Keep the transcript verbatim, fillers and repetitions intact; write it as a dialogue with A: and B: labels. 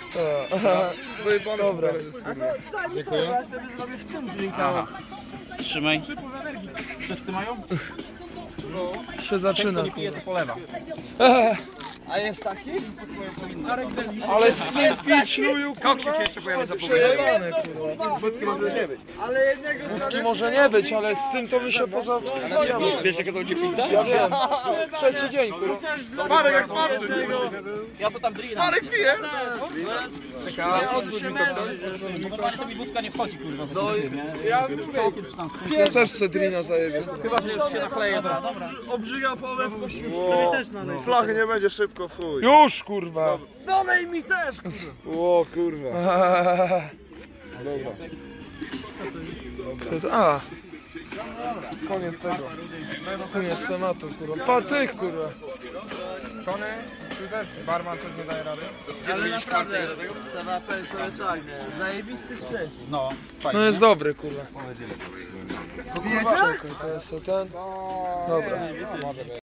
A: Dobra.
B: Dziękuję.
C: Ja sobie zrobię w tym drinka.
B: Trzymaj. Wszyscy mają?
A: Się zaczyna.
B: Nie pije, to polewa.
C: A jest taki?
A: Ale z tym pić, luju,
B: Koksik się
A: kurwa.
B: jeszcze pojawia za
A: Przejebane, kurwa.
C: Ale jednego
A: Wódki może nie być, ale z tym to mi się poza...
B: Wiesz, jakie to będzie pizda?
A: Ja wiem. Trzeci dzień, kurwa.
B: Marek jak patrzy. Ja to tam drina. Marek pije. Normalnie to mi wódka nie wchodzi, kurwa. No,
A: Ja, ja też Cedrina zajebię.
B: chyba, że się nakleję.
C: obrzyga połowę w kościuszku. też nalej.
D: Flachy nie będzie szybko, fuj.
A: Już, kurwa.
C: Dolej mi też!
D: O kurwa.
A: Kto to? A. Koniec tego. Koniec tematu, kurwa. Patyk, kurwa.
D: Tony, ty też, barman coś nie daje rady.
C: Ale naprawdę, Sarapel to tak, nie? Zajebisty sprzęt.
B: No, fajnie.
A: No jest dobry, kurwa. Czekaj, to jest ten. Dobra.